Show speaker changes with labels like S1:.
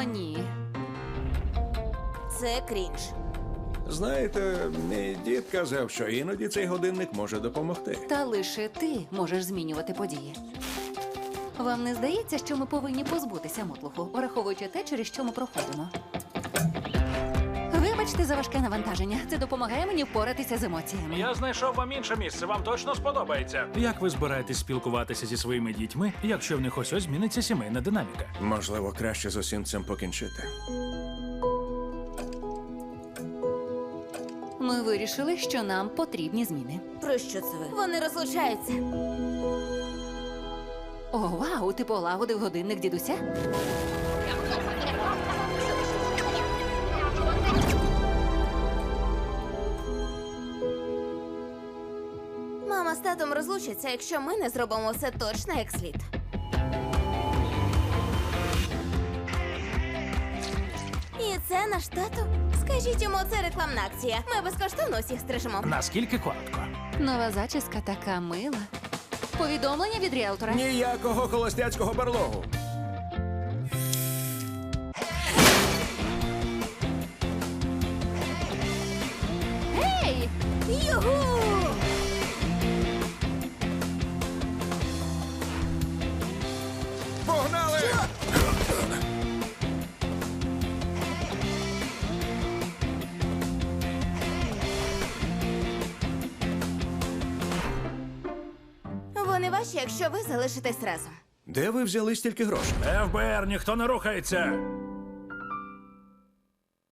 S1: О, ні.
S2: Це крінж.
S3: Знаєте, мій дід казав, що іноді цей годинник може допомогти.
S1: Та лише ти можеш змінювати події. Вам не здається, що ми повинні позбутися мотлуху, враховуючи те, через що ми проходимо? Вибачте за важке навантаження. Це допомагає мені впоратися з емоціями.
S4: Я знайшов вам інше місце, вам точно сподобається. Як ви збираєтесь спілкуватися зі своїми дітьми, якщо в них ось зміниться сімейна динаміка?
S3: Можливо, краще з усім цим покінчити.
S1: Ми вирішили, що нам потрібні зміни.
S2: Про що це ви? Вони розлучаються.
S1: О, вау, ти полагодив годинник дідуся?
S2: Мама з татом розлучаться, якщо ми не зробимо все точно як слід. І це наш тато? Скажіть йому, це рекламна акція. Ми безкоштовно усіх стрижемо.
S4: Наскільки коротко?
S1: Нова зачіска така мила. Повідомлення від ріелтора.
S3: Ніякого холостяцького барлогу.
S1: Гей!
S2: Югу!
S3: Погнали!
S2: Вони ваші, якщо ви залишитесь разом.
S3: Де ви взяли стільки грошей?
S4: ФБР, ніхто не рухається.